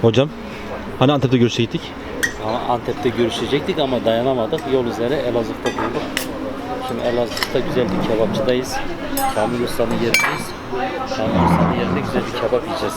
Hocam, hani Antep'te görüşecektik? Antep'te görüşecektik ama dayanamadık. Yol üzere Elazığ'da bulduk. Şimdi Elazığ'da güzel bir kebapçıdayız. Kamil Usta'nın yerindeyiz. Kamil Usta'nın yerinde güzel bir kebap yiyeceğiz.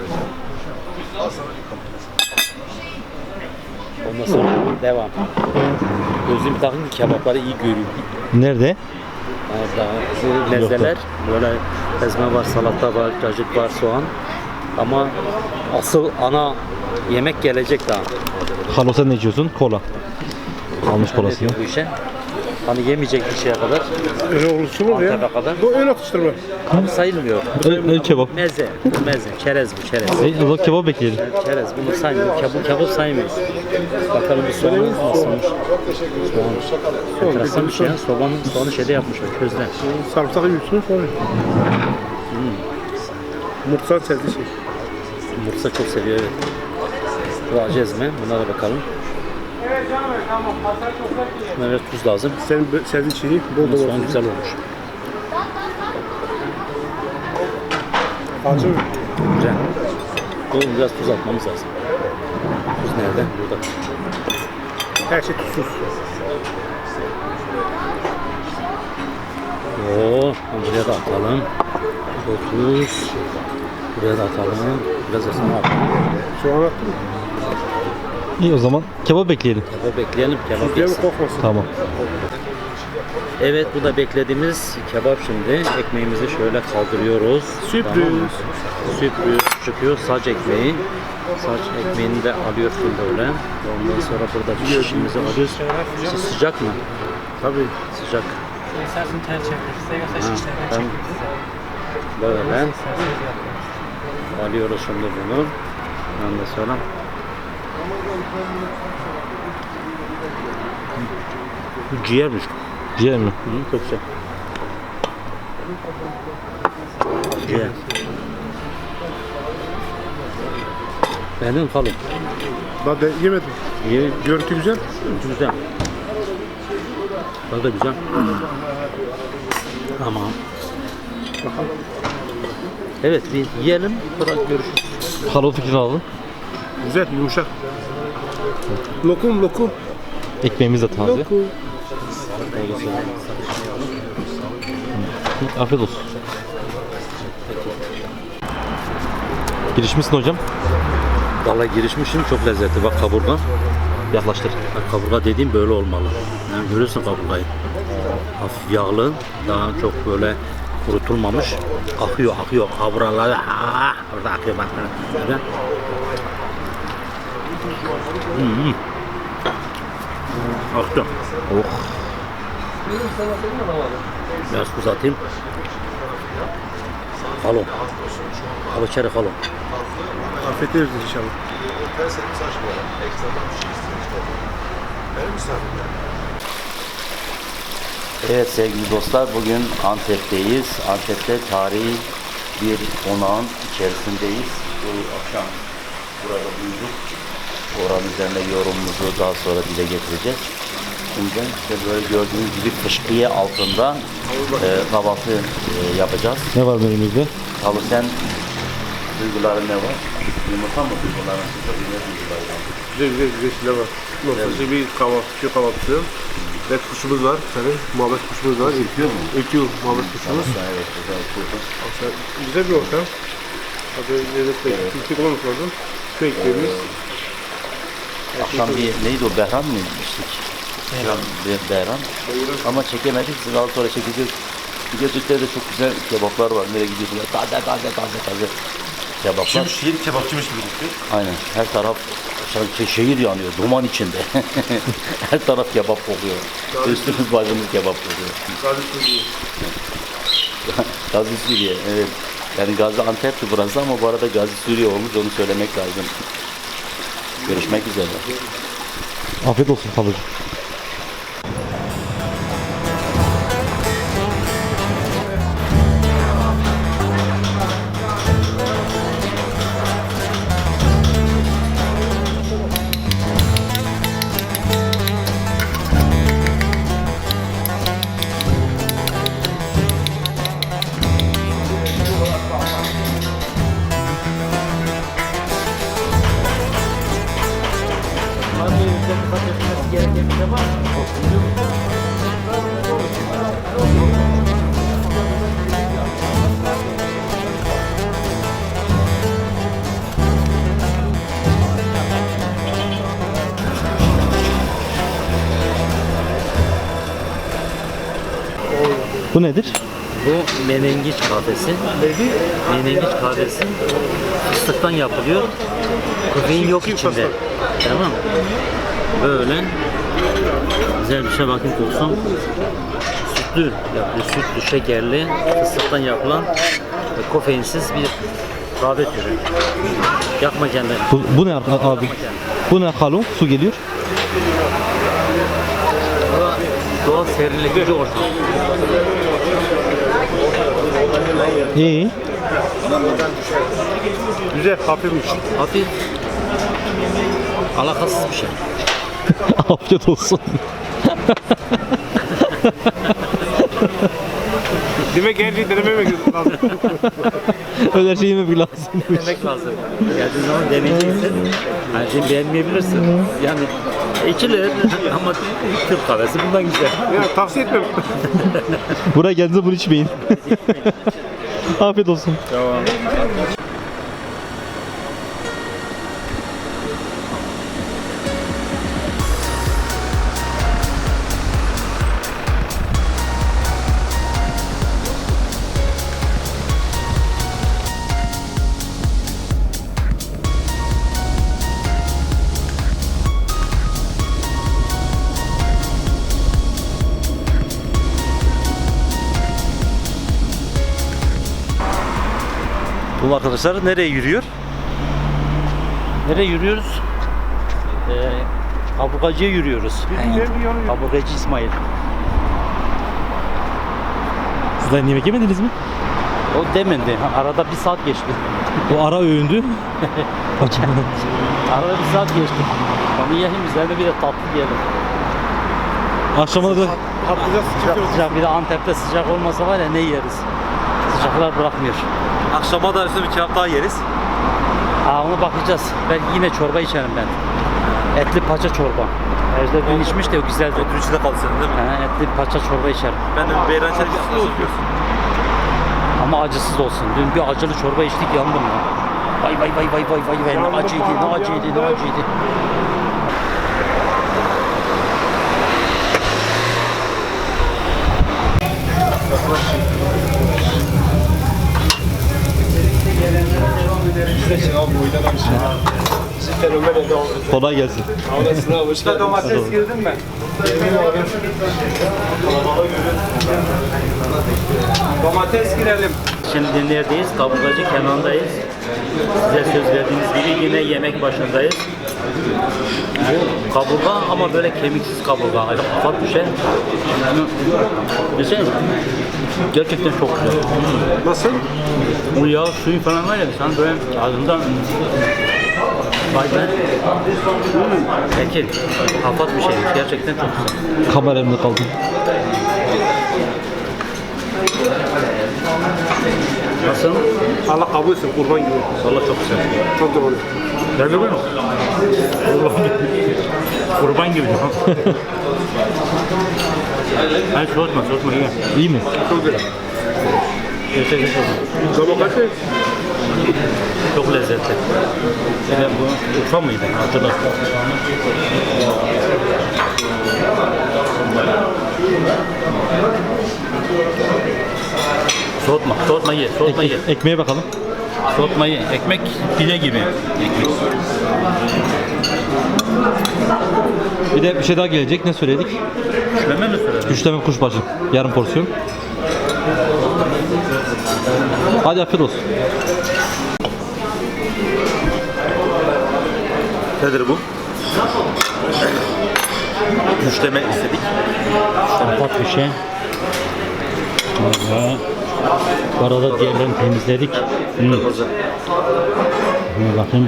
Ondan sonra devam. Gözlüğümü takın ki kebapları iyi görüyorum. Nerede? Yani daha mezeler, böyle ezme var, salata var, cacık var, soğan. Ama asıl ana yemek gelecek daha. Halo sen ne içiyorsun? Kola. Almış kolasını. Bu işe. Hani yemeyecek bir şeye kadar. Öyle olursa olur ya. Antep'e kadar. Bu ön atıştırma. Bu sayılmıyor. El kebap. Meze. Bu meze. Çerez bu, çerez. O zaman kebap bekleyelim. Çerez. Bunu saymıyor. Kebap saymıyoruz. Bakalım bir soğanı nasılmış. Soğan. Enteresan bir şey. Soğanı şeyde yapmışlar. Közden. Sarımsak yiyorsun sonra. Mutfağın sevdiği şey. Mursa çok seviyor, evet. Bu acı ezme. Buna da bakalım. Şuna biraz tuz lazım. Senin sevdiğin şeyi bol bol Soğan olsun. güzel olmuş. Acı mı? Güzel. Oğlum biraz tuz atmamız lazım. Tuz nerede? Burada. Her şey tuzsuz. Oo, buraya da atalım. Tuz. Buraya da atalım. Biraz da sana atalım. Soğan attın mı? İyi o zaman kebap bekleyelim. Kebap bekleyelim. Kebap Tuzluya mı yesin. kokmasın? Tamam. Evet, bu da beklediğimiz kebap şimdi. Ekmeğimizi şöyle kaldırıyoruz. Sürpriz. Tamam mı? Sürpriz çıkıyor. Saç ekmeği. Saç ekmeğini de alıyorsun böyle. Ondan sonra burada bir şişimizi alıyoruz. Sıcak mı? Tabii. Sıcak. Ha, böyle alıyoruz şimdi bunu. Ondan sonra bu ciğermiş. Ciğer mi? Hı, çok güzel. Ciğer. Beğendin kalın. Ben de yemedim. İyi, Görüntü güzel. güzel. Tadı da güzel. Tamam. Evet, bir yiyelim, sonra görüşürüz. Halo fikrini alalım. Güzel, yumuşak. Lokum, lokum. Ekmeğimiz de taze. Lokum. Afiyet olsun. Girişmişsin hocam. Vallahi girişmişim, çok lezzetli. Bak kaburga. Yaklaştır. Bak, kaburga dediğim böyle olmalı. Yani görüyorsun kaburgayı. Hafif yağlı, daha çok böyle kurutulmamış. Akıyor. Kaburgalar orada akıyor bak. Böyle. Aktı. Oh. Biraz tuz atayım. Halo. Halo içeri halo. Afiyet olsun inşallah. Evet sevgili dostlar, bugün Antep'teyiz. Antep'te tarihi bir konağın içerisindeyiz. Bu akşam burada bulduk. Oranın üzerine yorumumuzu daha sonra dile getireceğiz. Şimdi işte böyle gördüğünüz gibi kışkıya altında kahvaltı yapacağız. Ne var menümüzde? Tabii sen duyguların ne var? Yumurta mı duyguların? Ne duyguları var? Güzel şeyler var. Nasıl bir kahvaltı. Red kuşumuz var. Senin muhabbet kuşumuz var. Ürküyor mu? Ürküyor muhabbet kuşumuz. Evet, güzel kurdum. Güzel bir ortam. Tabii lezzetli. Yüksek olmamış lazım. Şu ekmeğimiz. Akşam bir neydi o, Behram mı içtik? Behram. Ama çekemedik, daha sonra çekeceğiz. Bir de Türkler'de çok güzel kebaplar var. Nereye gidiyorsun? Taze kebaplar. Şehir kebapçıymış gibi gitti. Aynen, her taraf şehir yanıyor, duman içinde. Her taraf kebap kokuyor. Üstümüz başımız kebap kokuyor. Gazi Suriye, evet. Yani Gazi Antep'ti burası ama bu arada Gazi Suriye olmuş, onu söylemek lazım. Görüşmek üzere. Afiyet olsun kalıcı. dikkat edilmesi gereken bir şey var mı? Bu nedir? Bu menengiç kahvesi. Menengiç kahvesi fıstıktan yapılıyor. Kofein yok içinde. Tamam. Böyle güzel bir şey, bakayım kokusu. Sütlü yapılıyor. Sütlü, şekerli, fıstıktan yapılan ve kofeinsiz bir kahve türü. Yakma kendini. Bu ne abi? Bu ne kalon? Su geliyor. Doğal serinletici ortam. İyi. Güzel, hafifmiş. Hafif, alakasız bir şey. Afiyet olsun. Demek her şeyi denememek lazım. Öyle her şeyi yememek lazım. Denemek lazım. Geldiğin zaman deneyeceksin. Her şeyi beğenmeyebilirsin. Yani içilir ama Türk kahvesi bundan güzel. Ya, tavsiye etmem. Buraya geldiğinizde bunu içmeyin. Afiyet olsun. Bu arkadaşlar nereye yürüyor? Nereye yürüyoruz? Kaburgacıya yürüyoruz. Kaburgacı İsmail. Siz daha yemek yemediniz mi? O demedi. Arada bir saat geçti. O ara öğündü. Arada bir saat geçti. Onu yiyelim, üzerine bir de tatlı yiyelim. Akşama da Patlıcan Sıcak, bir de Antep'te sıcak olmasa var ya ne yeriz. Sıcaklar bırakmıyor. akşama da üstüne bir kebap daha yeriz. Ona bakacağız. Belki yine çorba içerim ben. Etli paça çorba. Ejder dün içmiş de o güzeldi. Ödül içinde kalsın değil mi? Etli paça çorba içerim. Ben de beyran çarpısı yapıyorsun. Ama acısız olsun. Dün bir acılı çorba içtik, yandım ya. Vay vay vay vay vay vay vay, ne acıydı, ne acıydı, ne acıydı. Kolay gelsin. domates girdin mi? Domates girelim. Şimdi neredeyiz? Kaburgacı Kenan'dayız. Size söz verdiğimiz gibi yine yemek başındayız. Bu kaburga ama böyle kemiksiz kaburga. Ufak bir şey. Mesela gerçekten çok güzel. Nasıl? Bu yağ suyu falan var ya, sen böyle ağzından vay be. Peki, hafif bir şeymiş. Gerçekten çok güzel. Kameramda kaldım. Nasıl? Allah kabul etsin, kurban gibi. Valla çok güzel. Çok doğru. Gel bir buyurun. Kurban gibi. Hayır, soğutma iyi. İyi mi? Çok güzel. Gerçekten çok güzel. Domates Çok lezzetli. Yine bu Urfa mıydı? Hatırla. Soğutma ye, Ekmeğe bakalım. Soğutma ye. Ekmek pide gibi. Ekmek. Bir de bir şey daha gelecek. Ne söyledik? Şöyle mi söyledin? Güçleme kuşbaşı. Yarım porsiyon. Hadi afiyet olsun. Nedir bu? Güçleme istedik. Hafif bir şey. Valla. Bu arada diğerlerini temizledik. Kırmızı. Bakın.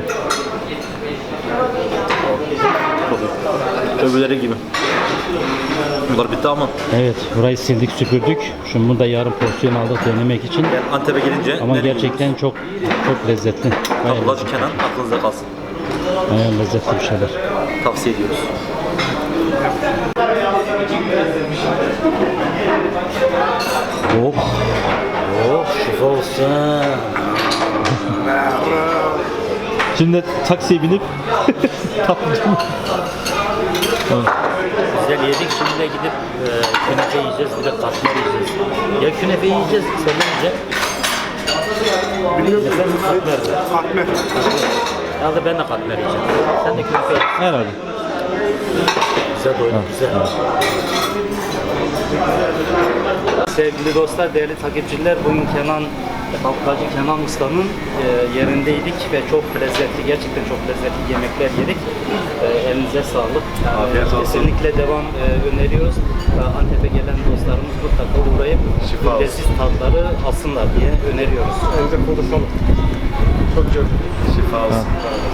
Öbürleri gibi. Bunlar bitti ama Evet, burayı sildik, süpürdük. Şimdi bunu da yarım porsiyon aldık denemek için. yani Antep'e gelince Ama ne gerçekten çok lezzetli. Bayağı Kaburgacı lezzetli. Kenan aklınızda kalsın. Bayağı lezzetli bir şeyler. Tavsiye ediyoruz. Oh. Oh, şifa olsun. Şimdi taksiye binip tatlıcı. Güzel yedik. Şimdi de gidip künefe yiyeceğiz. Bir de katmer yiyeceğiz. Ya künefe yiyeceğiz. Sen ne yiyeceksin? Bilmiyorum. Ben de katmer. Katmer. Ya da ben de katmer yiyeceğim. Sen de künefe ye. Herhalde. Güzel doydum. Güzel. Sevgili dostlar, değerli takipçiler, bugün Baklacı Kenan Usta'nın yerindeydik ve çok lezzetli, gerçekten çok lezzetli yemekler yedik. Elinize sağlık. Afiyet olsun. Kesinlikle devam öneriyoruz. Antep'e gelen dostlarımız mutlaka uğrayıp Şifa olsun. leziz tatları alsınlar diye öneriyoruz. Elinize konuşalım. Çok güzel. Şifa olsun.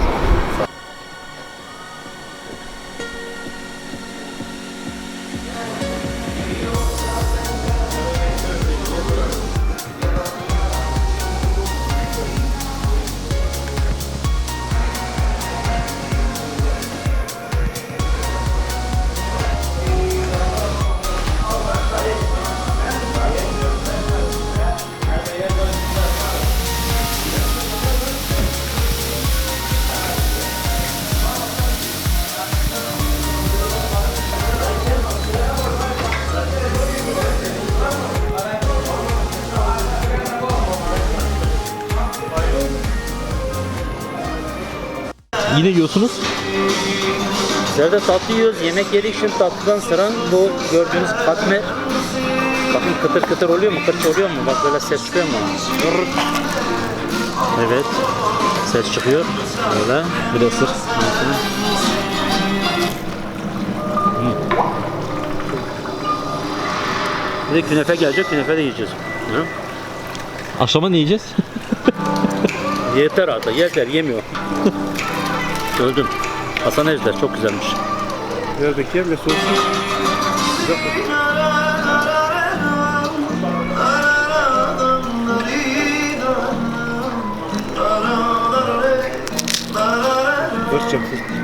Yine yiyorsunuz. Bizler de tatlı yiyoruz. Yemek yedik. Şimdi tatlıdan sıra bu gördüğünüz katmer. Bakın kıtır kıtır oluyor mu? Kırç oluyor mu? Bak böyle ses çıkıyor mu? Evet. Ses çıkıyor. Böyle. Bir de ısır. Bir de künefe gelecek. Künefe de yiyeceğiz. Hı? Akşama ne yiyeceğiz? Yeter artık. Yeter. Yemiyor. Öldüm. Hasan Ejder çok güzelmiş. Neredeki yer ve soğuk. Barışacağım.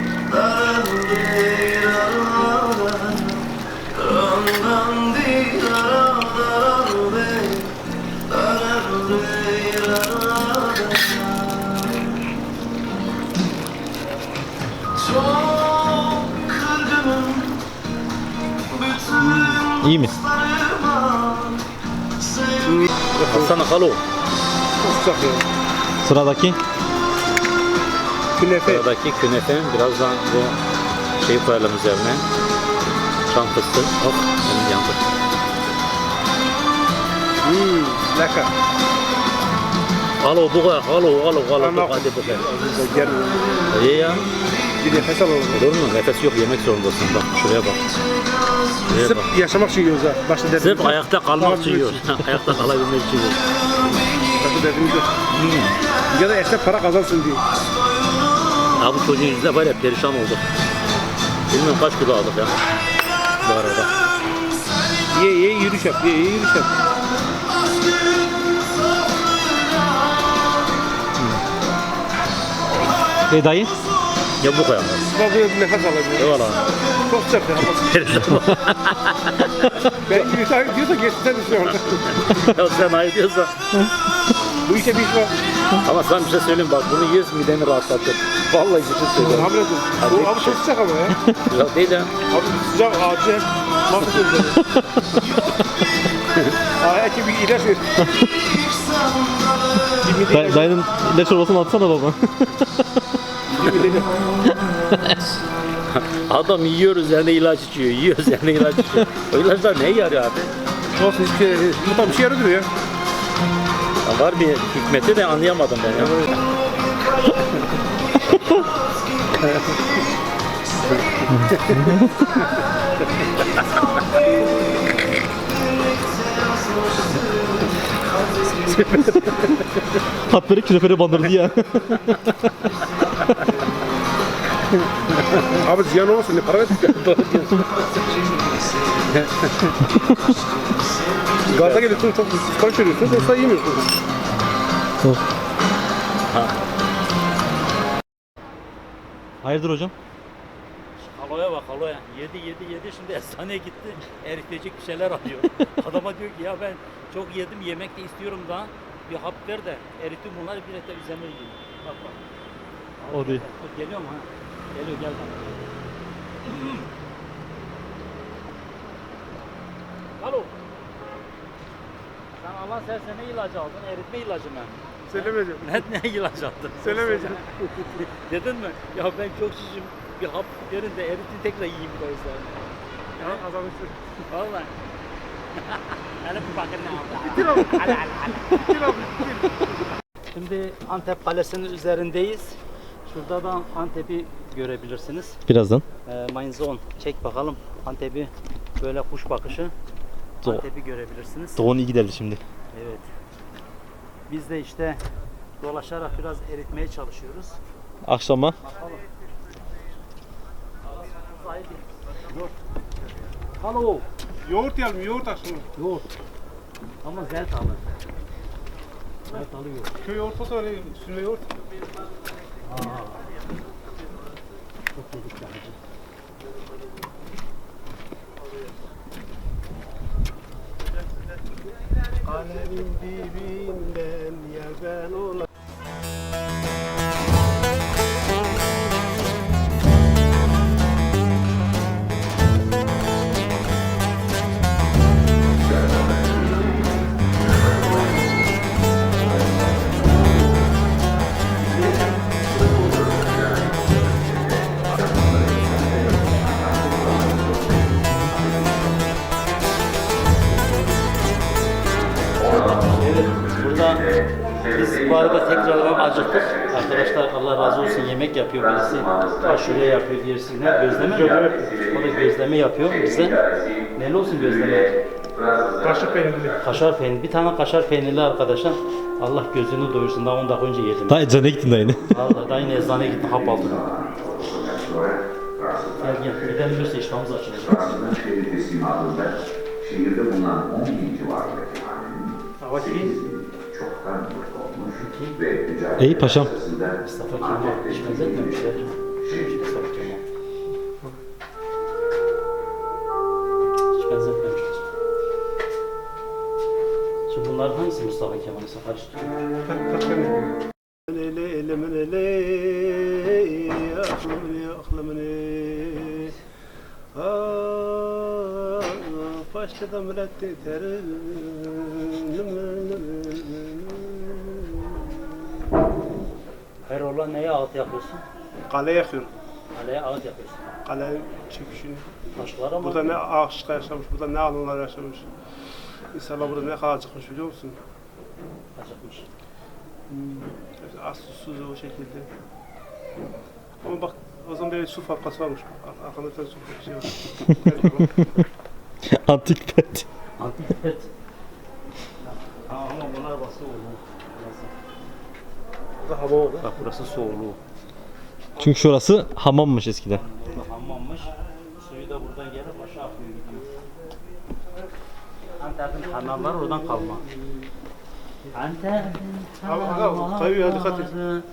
İyi mi? Hasan Halo. Sıcak ya. Sıradaki. Künefe. Sıradaki künefe. Birazdan bu şeyi koyalım üzerine. Çam fıstığı. Of. Benim yandı. Lekker. Halo bu kadar. Halo. Hadi bu kadar. Gel. İyi ya. Bir nefes alalım. Olur mu? Nefes yok. Yemek zorundasın. Bak şuraya bak. Şuraya bak. Sırf yaşamak için yiyoruz ha. Başta derdimiz Sırf yok. ayakta kalmak için yiyor. Ayakta kalabilmek için yiyor. Başta derdimiz yok. Ya da esnaf para kazansın diye. Ya bu çocuğun yüzüne var ya perişan olduk. Bilmiyorum kaç kilo aldık ya. Bu arada. Ye yürüyüş yap. Ye yürüyüş yap. Dayı. Ya bu kadar. Bak böyle bir nefes alalım. Eyvallah. Çok sıcak ya. Perişan olduk. Ben diyorsa geçti sen düşün orada. Ya sen ayı diyorsan. Bu işe bir iş var. Ama sana bir şey söyleyeyim bak bunu yiyoruz mideni rahatlatır. Vallahi bir şey söylüyorum. Haber edin. Abi çok sıcak ama ya. Ya değil ya. Abi sıcak acı hep mahvettim. Belki bir ilaç ver. Dayının ilaç çorbasını atsana baba. Adam yiyor üzerine ilaç içiyor. Yiyor üzerine ilaç içiyor. O ilaçlar neye yarıyor abi? Olsun hiçbir şey. Bu tam bir şey yarıyor ya. Ya var bir hikmeti de anlayamadım ben ya. Hatları künefere bandırdı ya. Abi ziyan olmasın ne para ver. Gaza geliyorsun çok sipariş veriyorsun yoksa yemiyorsun. Hayırdır hocam? Haloya bak haloya. Yedi şimdi eczaneye gitti. Eritecek bir şeyler arıyor. Adama diyor ki ya ben çok yedim yemek de istiyorum daha. Bir hap ver de eritim bunları bir de üzerine yiyin. Bak bak. O değil. Dur, geliyor mu ha? Geliyor gel bak. Alo. Sen Allah sersen ne ilacı aldın? Eritme ilacı mı? Söylemeyeceğim. Ne ilacı aldın? Söylemeyeceğim. Dedin mi? Ya ben çok şişim. Bir hap verin de eritin tekrar yiyeyim bu yüzden. Ya azalmışsın. Vallahi. Hele bir bakın ne oldu. Bitir abi. Hadi hadi hadi. Bitir abi. Bitir. Şimdi Antep Kalesi'nin üzerindeyiz. Şurada da Antep'i görebilirsiniz. Birazdan. Mainzon. Çek bakalım Antep'i. Böyle kuş bakışı. Do- Antep'i görebilirsiniz. Doğun iyi giderdi şimdi. Evet. Biz de işte dolaşarak biraz eritmeye çalışıyoruz. Akşama Bakalım. Yoğurt. Alo. Yoğurt yiyelim, yoğurt akşamı. Yoğurt. Ama zeyt alır. Zeyt alıyor. Köy yoğurt olsa öyle üstüne yoğurt. Çok yedik ya hacı. Kalemin dibinden yer ben ona. Burada biz bu arada tekrardan acıktık. Arkadaşlar Allah razı olsun yemek yapıyor birisi. Aşure yapıyor birisi. Ne? Gözleme mi? O da gözleme yapıyor bize. Neli olsun gözleme? Kaşık peynirli. Kaşar peynir. Bir tane kaşar peynirli arkadaşlar. Allah gözünü doyursun. Daha 10 dakika önce yedim. daha eczaneye gittin daha yine. Vallahi daha yine eczaneye gittim hap aldım. Gel gidelim yoksa iştahımız açılacak. Şehir teslimatında şehirde bulunan 10 bin civarındaki hanenin çoktan yok olmuş ve ticaret İyi paşam. Mustafa Kemal hiç benzetmemişler. Mustafa Kemal. Hiç benzetmemişler. Şimdi bunlar hangisi Mustafa Kemal'e karıştırıyor? Başladı müretti terim. Hayrola neye ağıt yapıyorsun? Kale yakıyorum. Kaleye ağıt yapıyorsun. Kale çöküşünü. Taşlara mı? Burada ne ağaçlar yaşamış, burada ne alınlar yaşamış. İnsanlar burada ne kadar acıkmış biliyor musun? Acıkmış. Az susuz o şekilde. Ama bak o zaman böyle su fabrikası varmış. Arkanda bir tane su fabrikası var. Antik pet. Antik pet. Ama bunlar bası oğlu. Burada hava oldu. Bak burası soğuluğu. Çünkü şurası hamammış eskiden. Burada hamammış. Suyu da buradan gelip aşağı akıyor gidiyor. Antep'in hamamları oradan kalma. Antep'in Abi, kayıyor, dikkat et.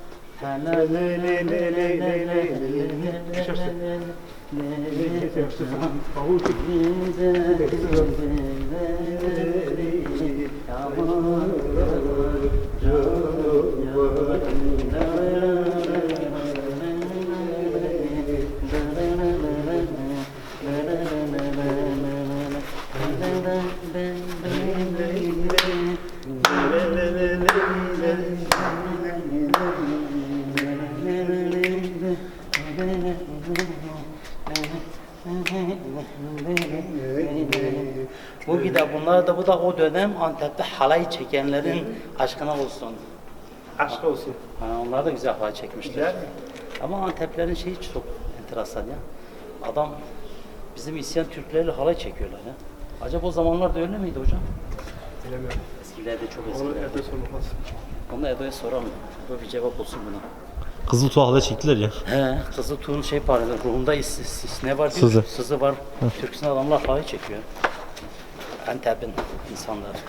Bu gide bunlar da bu da o dönem Antep'te halay çekenlerin aşkına olsun. Aşk olsun. Onlar da güzel halay çekmişler. Güzel. Ama Anteplerin şeyi çok enteresan ya. Adam bizim isyan Türklerle halay çekiyorlar ya. Acaba o zamanlarda öyle miydi hocam? Bilemiyorum. Eskilerde çok Onu eskilerde. evde sormak lazım. Onu da Edo'ya soralım. Bu bir cevap olsun buna. Kızıl tuğla çektiler ya. He, kızı tuğun şey var, ruhunda ne var diyor? Sızı. Sızı var. Türk'ün adamlar halay çekiyor. Antep'in insanları.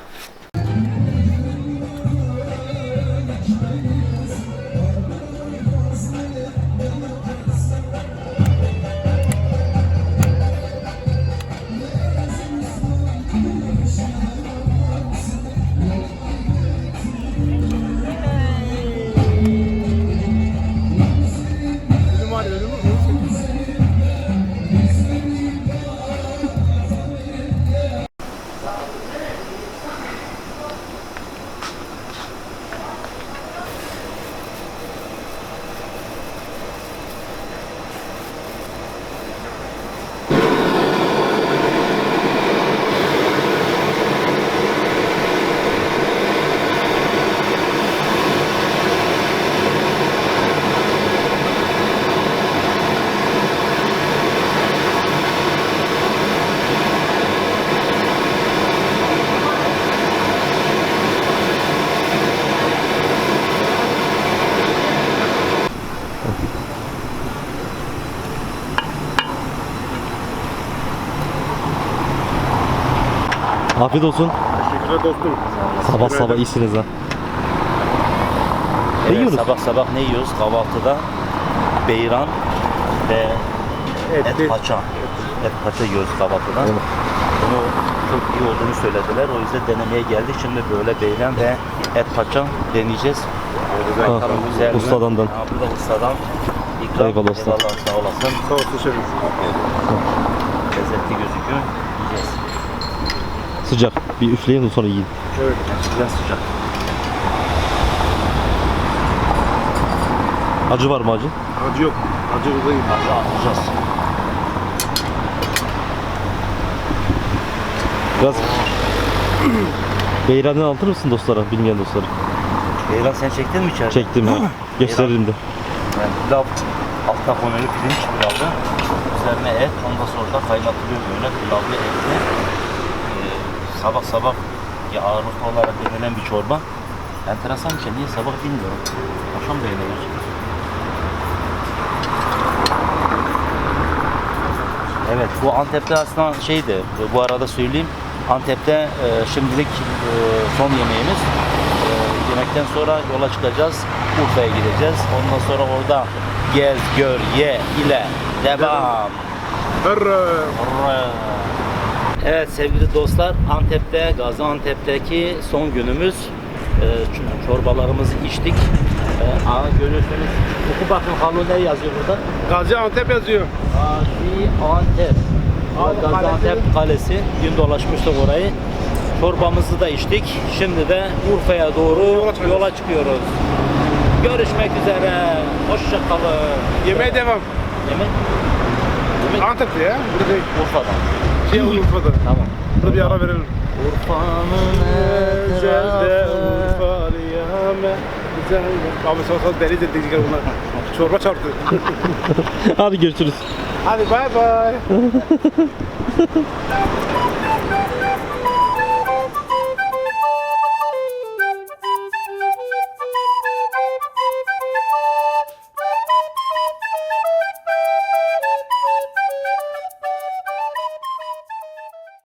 Afiyet olsun. Teşekkürler dostum. Sabah sabah iyisiniz ha. Ne Evet, yiyoruz? sabah sabah ne yiyoruz? Kahvaltıda beyran ve et paça. Et paça yiyoruz kahvaltıda. Evet. Bunu çok iyi olduğunu söylediler. O yüzden denemeye geldik. Şimdi böyle beyran ve et paça deneyeceğiz. Ha, Bakalım güzel mi? ustadan. Ha, bu da ustadan. İkram. Eyvallah usta. Eyvallah, sağ olasın. Sağ olsun şefim. Lezzetli gözüküyor. Yiyeceğiz. Sıcak. Bir üfleyin sonra yiyin. Evet. Biraz sıcak. Acı var mı acı? Acı yok. Acı buradayım. Hadi alacağız. Biraz beyranını anlatır mısın dostlara, bilmeyen dostlara? Beyran sen çektin mi içeride? Çektim ha. Gösteririm de. Yani pilav, altta konulu pirinç pilavı, üzerine et, ondan sonra da kaynatılıyor böyle pilavlı etli. Sabah sabah ya ağırlıklı olarak yenilen bir çorba. Enteresan bir şey, niye sabah bilmiyorum. Akşam da yenilir. Evet, bu Antep'te aslında şeydi, bu arada söyleyeyim. Antep'te şimdilik son yemeğimiz. Yemekten sonra yola çıkacağız, Urfa'ya gideceğiz. Ondan sonra orada gez, gör, ye ile devam. Hırrı. Evet sevgili dostlar, Antep'te, Gaziantep'teki son günümüz. Çorbalarımızı içtik. Görüyorsunuz, oku bakın Halil ne yazıyor burada? Gaziantep yazıyor. Gaziantep. Gaziantep Kalesi. Dün dolaşmıştık orayı. Çorbamızı da içtik. Şimdi de Urfa'ya doğru yola çıkıyoruz. Görüşmek üzere. Hoşça kalın. Yemeğe devam. Yemek? Antep'te ya. Burada değil. Urfa'dan. Şey Urfa'da. Tamam. Burada bir ara verelim. Urfa'nın Güzelde etrafı. Urfa diyame. Güzelde. Abi sonra deli dedik bunlar. Çorba çarptı. Hadi görüşürüz. Hadi bay bay.